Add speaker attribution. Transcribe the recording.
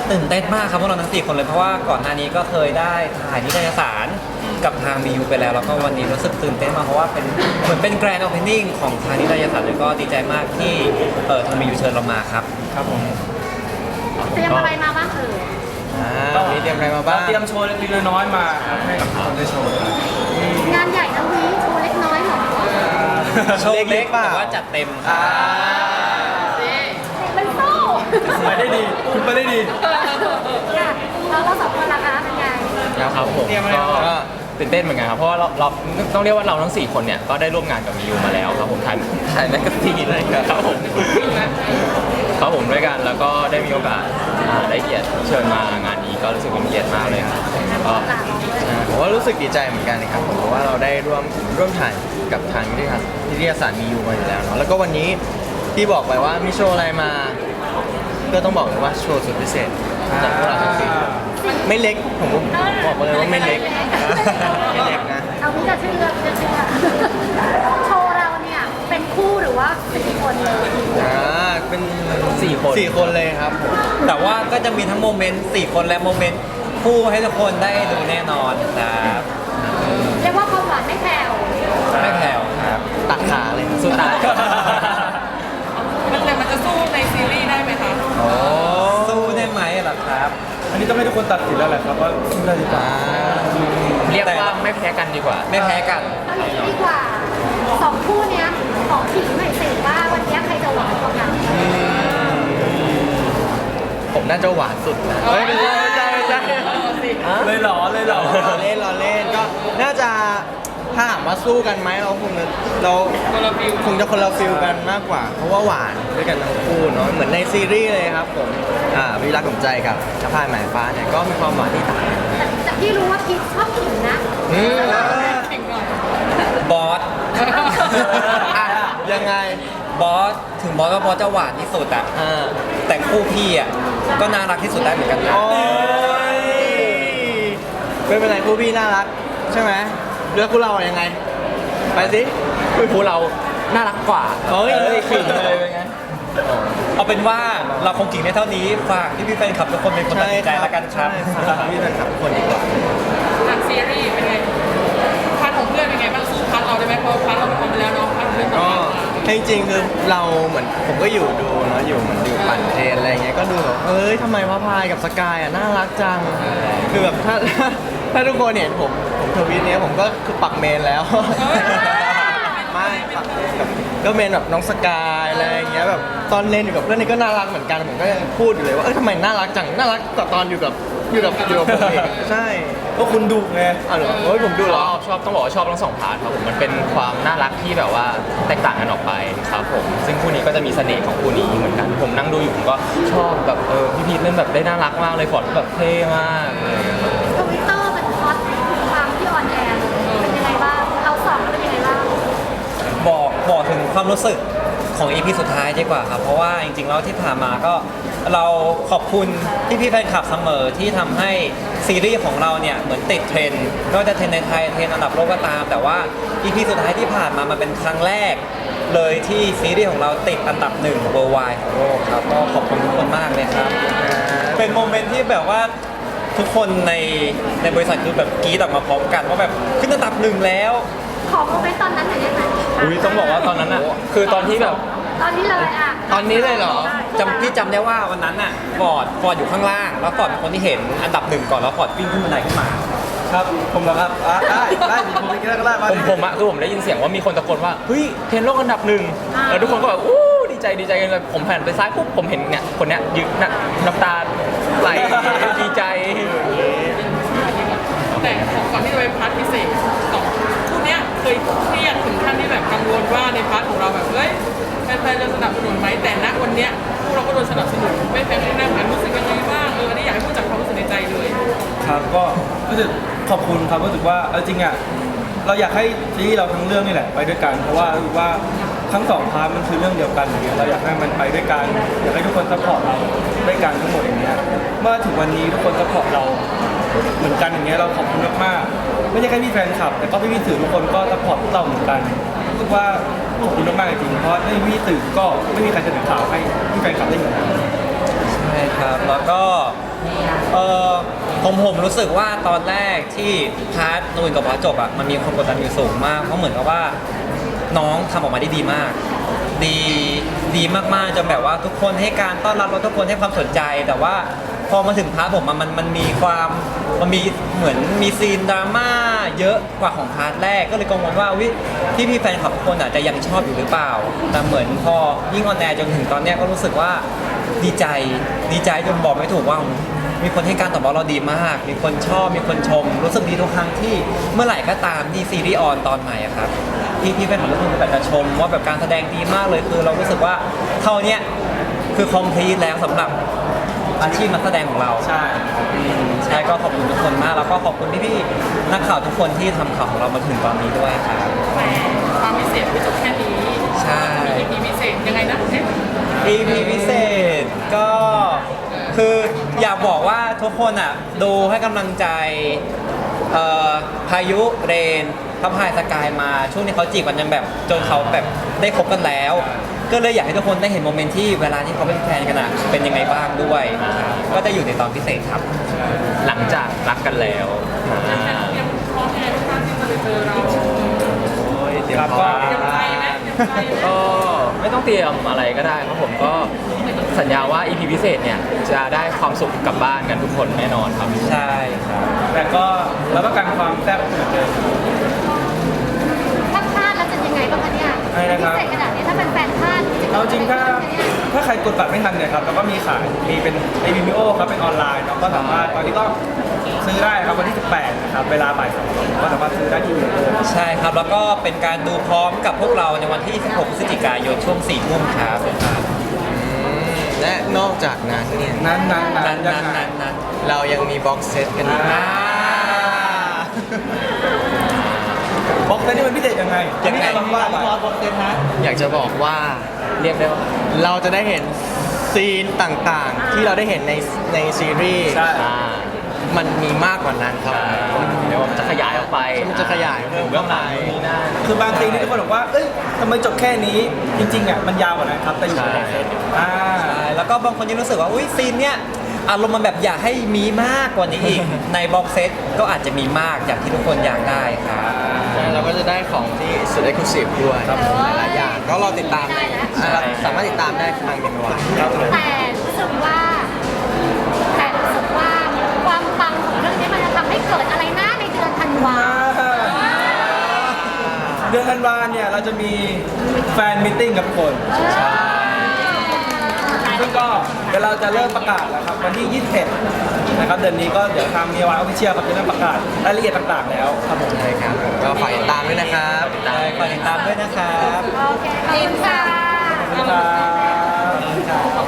Speaker 1: ตื่นเต้นมากครับพวกเราทั้ง4 คนเลยเพราะว่าก่อนหน้านี้ก็เคยได้ถ่ายนิตยสารกับทางBUไปแล้วแล้วก็วันนี้รู้สึกตื่นเต้นมากเพราะว่าเป็นเหมือนเป็นแกรนด์โอเพนนิ่งของทางนิตยสารเลยก็ดีใจมากที่ทางBUเชิญเรามาครับ
Speaker 2: ครับผม
Speaker 3: เตรียมอะไรมาบ้าง
Speaker 2: มีเตรียมอะไรมาบ้างเตรียมโชว์เล็กๆน้อยๆมาให้กับทุกคนได้โชว์
Speaker 3: งานใหญ่ทั้งนี้โชว์เล็กน้อยเหรอ
Speaker 1: โชว์เล็กแต่ว่าจัดเต็มครับ
Speaker 3: เป็นโซ่
Speaker 2: ไปได้ดีคุณไปได้ดี
Speaker 3: แล้วเรา2 คนล่ะคะเป็นไง
Speaker 4: ครับผมก็ตื่นเต้นเหมือนกันครับเพราะว่าเราต้องเรียกว่าเราทั้ง4 คนเนี่ยก็ได้ร่วมงานกับมิวมาแล้วครับผมถ่ายแมกกาซีนอะไรครับผมด้วยกันแล้วก็ได้มีโอกาสได้เกียรติเชิญมางานนี้ก็รู้สึกเป็นเกียรติมากเลยครับก็
Speaker 2: ผมว่ารู้สึกดีใจเหมือนกันนะครับผมเพราะว่าเราได้ร่วมถ่ายกับทางนิตยสารมีอยู่มาอยู่แล้วเนาะแล้วก็วันนี้ที่บอกไปว่ามีโชว์อะไรมาก็ต้องบอกเลยว่าโชว์สุดพิเศษจากพวกเราทั้ง4ไม่เล็กผมบอกเลยว่าไม่เล็กไม่เล็กนะ
Speaker 3: เอาพี่จะเชื่อโชว์เราเนี่ยเป็นคู่หรือว่า4 คนเลย
Speaker 2: เป็น4 คนเลยครับ
Speaker 1: แต่ว่าก็จะมีทั้งโมเมนต์4 คนและโมเมนต์คู่ให้ทุกคนได้ดูแน่นอนครับ
Speaker 3: เรียกว่าความหวานไม่แผ่ว
Speaker 1: ครับ
Speaker 2: ตัดขาเลย
Speaker 4: สุดตาย
Speaker 5: มันจะสู้ในซีรีส์ได้ไหมคะ
Speaker 1: สู้ได้ไหมล่ะครับ
Speaker 2: อันนี้ต้องให้ทุกคนตัดสินแล้วแหละครับว่าสู้ได้หรือเปล่า
Speaker 4: เรียกว่าไม่แพ้กันดีกว่า
Speaker 1: ไม่แพ้กัน
Speaker 3: เอาอย่างนี้ดีกว่า2 คู่เนี้ยของขิงหน่อยสิว่าวันนี้ใครจะหวานกว่ากัน
Speaker 2: ผมน่าจะหวานสุดนะไม่ใช่เลยหรอเล่นก็น่าจะถ้าถามว่าสู้กันไหมเราคงจะคนละฟิลกันมากกว่าเพราะว่าหวานด้วยกันทั้งคู่เนาะเหมือนในซีรีส์เลยครับผมวิรักของใจกับชะพายหมายฟ้าเนี่ยก็มีความหวานที่ต่างกัน
Speaker 3: แต่พี่รู้ว่าพีชชอบขิงนะ
Speaker 1: บอส
Speaker 2: ยังไง
Speaker 1: บอสถึงบอสก็บอสจะหวานที่สุดอะแต่คู่พี่อะก็น่ารักที่สุดได้เหมือนกันนะ
Speaker 2: ไม่เป็นไรคู่พี่น่ารักใช่ไหมเลือกคู่เรายังไงไปสิ
Speaker 4: คู่เราน่ารักกว่า
Speaker 2: ขิงเลยเป็นไง
Speaker 1: เอาเป็นว่าเราคงกิ่งได้เท่านี้ฝากพี่แฟนคลับทุกคนเป็นคนตัดสินใจแล้วกันครับ
Speaker 2: พี่แฟนคลับทุกคนดีกว่า
Speaker 5: ทางซีรีส์เป็นไงพาร์ทของเพื่อนเป็นไงบ้างสู้พาร์ทเราได้ไหมเพราะพาร์ทเราเป็นคนไปแล้วเนาะพาร์ทเพื่อนต่อ
Speaker 2: จริงๆคือเราเหมือนผมก็อยู่ดูเนาะอยู่ปั่นเทรนอะไรเงี้ยก็ดูแบบทำไมพระพายกับสกายน่ารักจังคือแบบถ้าทุกคนเห็นผมทวีตเนี้ยผมก็คือปักเมนแล้วไม่ปักก็เมนแบบน้องสกายอะไรเงี้ยแบบตอนเล่นอยู่กับเพื่อนนี่ก็น่ารักเหมือนกันผมก็ยังพูดอยู่เลยว่าทำไมน่ารักจังน่ารักกว่าตอนอยู่กับผมเองใช่ก็คุณดูไงเหรอผมดู
Speaker 4: ชอบต้องบอกว่าชอบทั้ง2 พาร์ทครับผมมันเป็นความน่ารักที่แบบว่าแตกต่างกันออกไปครับผมซึ่งคู่นี้ก็จะมีเสน่ห์ของคู่นี้เหมือนกันผมนั่งดูอยู่ผมก็ชอบแบบพี่พีทเล่นแบบได้น่ารักมากเลยฟอร์ดแบบเท่มาก
Speaker 3: ทวิตเตอร์มันฮอตความที่ออนแอร์เป็นยังไงบ้างเรา2เป็นยังไงบ้าง
Speaker 1: บอกถึงความรู้สึกของ EP สุดท้ายดีกว่าครับเพราะว่าจริงๆแล้วที่ผ่านมาก็เราขอบคุณพี่แฟนคลับเสมอที่ทำให้ซีรีส์ของเราเนี่ยเหมือนติดเทรนด์ไม่ว่าจะเทรนด์ในไทยเทรนด์อันดับโลกก็ตามแต่ว่า EP สุดท้ายที่ผ่านมามันเป็นครั้งแรกเลยที่ซีรีส์ของเราติดอันดับ1 worldwide ของโลกครับก็ขอบคุณทุกคนมากเลยครับเป็นโมเมนต์ที่แบบว่าทุกคนในบริษัทคือแบบกรี๊ดออกมาพร้อมกันว่าแบบขึ้นอันดับ1แล้ว
Speaker 3: ขอโมเมนต์ตอนนั้นหน่อยได้ไหม
Speaker 4: ต้องบอกว่าตอนนั้นอ่ะคือตอนที่แบบ
Speaker 3: ตอนนี้เลยอ่ะ
Speaker 2: ตอนนี้เลยเหรอ
Speaker 1: พี่จำได้ว่าวันนั้นน่ะฟอร์ดอยู่ข้างล่างแล้วฟอร์ดเป็นคนที่เห็นอันดับ1ก่อนแล้วฟอร์ดวิ่งขึ้นบันไดขึ้นมา
Speaker 2: ครับผมเหรอครับได้ผมเป็นก็ได้
Speaker 4: ผมได้ยินเสียงว่ามีคนตะโกนว่าเฮ้ยเทรนด์โลกอันดับ1แล้วทุกคนก็แบบอู้ดีใจกันเลยผมหันไปซ้ายปุ๊บผมเห็นเนี่ยคนเนี้ยยืนน้ำตาไหลดีใจ
Speaker 5: แต่ก่อนที่จะไปพาร์ทพิเศษคู่เนี้ยเคยเครียดถึงขั้นที่แบบกังวลว่าในพาร์ทของเราแบบแฟนๆจะสนับสนุนไหมแต่ณวันเนี้ยพวกเราก็โดนสนับสนุนไม่แฟนๆนั่งรู้สึกยังไงบ้างอันนี้อยากให้พูดจากความรู้สึกในใจเลย
Speaker 2: ครับก็รู้สึกขอบคุณครับรู้สึกว่าจริงอ่ะเราอยากให้ซีรีส์เราทั้งเรื่องนี่แหละไปด้วยกันเพราะว่ารู้ว่าทั้ง2 พาร์ทมันคือเรื่องเดียวกันอย่างเงี้ยเราอยากให้มันไปด้วยกันอยากให้ทุกคนซัพพอร์ตเราด้วยกันทั้งหมดอย่างเงี้ยเมื่อถึงวันนี้ทุกคนซัพพอร์ตเราเหมือนกันอย่างเงี้ยเราขอบคุณมากๆไม่ใช่แค่พี่แฟนคลับแต่ก็พี่สื่อทุกคนก็ซัพพอร์ตพวกเราเหมือนกันรู้สึกว่าขอบคุณมากๆจริงๆเพราะไม่มีสื่อก็ไม่มีใครจะถึงข่าวให้พี่แฟนคลับได้เห็น
Speaker 1: ใช่ครับแล้วก็เออผมรู้สึกว่าตอนแรกที่พาร์ทนูนกับพาร์ทจบอะมันมีความกดดันอยู่สูงมากเพราะเหมือนกับว่าน้องทำออกมาได้ดีมาก ดีมากๆจนแบบว่าทุกคนให้การต้อนรับแล้วทุกคนให้ความสนใจ แต่ว่าพอมาถึงพาร์ทผมมันมีความมันมีเหมือนมีซีนดราม่าเยอะกว่าของพาร์ทแรกก็เลยกังวลว่าวิพี่แฟนคลับทุกคนอาจจะยังชอบอยู่หรือเปล่า แต่เหมือนพอยิ่งออนแอร์จนถึงตอนเนี้ยก็รู้สึกว่าดีใจจนบอกไม่ถูกว่ามีคนให้การตอบรับเราดีมาก มีคนชอบมีคนชม รู้สึกดีทุกครั้งที่เมื่อไหร่ก็ตามที่ซีรีส์ออนตอนใหม่อะครับพี่แฟนคลับทุกคนก็แบบจะชมว่าแบบการแสดงดีมากเลยคือเรารู้สึกว่าเท่าเนี้ยคือคอมพลีทแล้วสำหรับอาชีพนักแสดงของเรา
Speaker 2: ใช่
Speaker 1: ใช่ก็ขอบคุณทุกคนมากแล้วก็ขอบคุณพี่ๆนักข่าวทุกคนที่ทำข่าวของเรามาถึงตอนนี้ด้วยครับ
Speaker 5: แต่ความพิเศษไม่จบแค่นี้
Speaker 1: ใช่
Speaker 5: มี EP พิเศษยังไงนะเอ๊ะ
Speaker 1: EP พิเศษก็คืออยากบอกว่าทุกคนอ่ะดูให้กำลังใจพายุเรนพระพายสกายมาช่วงนี้เขาจีบกันจนแบบจนเขาแบบได้คบกันแล้ว ก็เลยอยากให้ทุกคนได้เห็นโมเมนต์ที่เวลาที่เขาเป็นแฟนกันอะเป็นยังไงบ้างด้วยครับก็จะอยู่ในตอนพิเศษครับ
Speaker 4: หลังจากรักกันแล้ว
Speaker 5: เตรียมพร้อมยังไงบ้างที่จะไปเจอเรา
Speaker 2: เดี๋ยว
Speaker 1: ครับ
Speaker 2: พอ
Speaker 5: เตรียมใจไหมเตรียมใจไหม
Speaker 4: ก็ไม่ต้องเตรียมอะไรก็ได้ครับผมก็สัญญาว่า EP พิเศษเนี่ยจะได้ความสุขกลับบ้านกันทุกคนแน่นอนครับ
Speaker 1: ใช่ครับ
Speaker 2: แต่ก็รับประกันความแซ่บเหมือนเดิม
Speaker 3: ถ้าพลาดแล้วจะยังไงบ้างคะเนี่ย
Speaker 2: อะไรนะครับ
Speaker 3: พิเศษขนาดนี้ถ้าเป็นแฟนพลาด
Speaker 2: เอาจริงถ้า
Speaker 3: เนี่ย
Speaker 2: ถ้าใครกดบัตรไม่ทันเนี่ยครับแล้วก็มีขายมีเป็นไอ Vimeo ครับเป็นออนไลน์เนาะก็สามารถตอนนี้ก็ซื้อได้ครับวันที่ 18 นะครับเวลาบ่าย 2ก็สามารถซื้อได้ที่ Vimeo
Speaker 1: ใช่ครับแล้วก็เป็นการดูพร้อมกับพวกเราในวันที่ 16 พฤศจิกายนช่วง 4 ทุ่มครับ
Speaker 2: และนอกจากนั้นเนี่ยนั้น เรายังมีบ็อกเซตกันด้วยบ็อกเซตนี่มันพิเศษยังไง
Speaker 1: ยังไง
Speaker 2: ว่าบ็อกเซตฮะอยากจะบอกว่า
Speaker 4: เรียกได้ว่า
Speaker 2: เราจะได้เห็นซีนต่างๆ ที่เราได้เห็นในซีรีส์
Speaker 4: อ่า
Speaker 2: มันมีมากกว่านั้นครับ
Speaker 4: เดี๋ยวมันจะขยายออกไป
Speaker 2: มันจะขยายเพิ่ม
Speaker 4: เบื้องหลังนี่นะ
Speaker 6: คือบางทีนี่ทุกคนบอกว่า เอ้ยทำไมจบแค่นี้ จริงๆอ่ะมันยาวกว่านั้นครับ แต่อยู่ในเซตอ่า
Speaker 1: ใช่แล้วก็บางคนยังรู้สึกว่าอุ้ยซีนเนี้ยอารมณ์มันแบบอยากให้มีมากกว่านี้อีก ในบ็อกเซตก็อาจจะมีมากอย่างที่ทุกคนอยากได้ครับ
Speaker 2: เราก็จะได้ของที่สุดเอ็กซ์คลูซีฟด้วยหลายๆอย่างก็รอติดตามสามารถติดตามได้ทางเมนูครับ
Speaker 3: แต่รู้สึกว่าความปังของเรื่องนี้มันจะทำให้เกิดอะไรนะในเดือนธันวา
Speaker 6: เดือนธันวาเนี่ยเราจะมีแฟนมิทติ้งกับทุกคนซึ่งก็เดี๋ยวเราจะเริ่มประกาศแล้วครับวันที่ 21 นะครับเดือนนี้ก็เดี๋ยวทางมีวายออฟฟิเชียลครับจะเริ่มประกาศรายละเอียดต่างๆแล้วครับผม
Speaker 2: ใช่ครับก็ฝากติดตามด้วยนะครับ
Speaker 1: ได้ฝากติดตามด้วยนะครับ
Speaker 3: โอเคขอบคุณค่ะ
Speaker 6: ขอบคุณครับ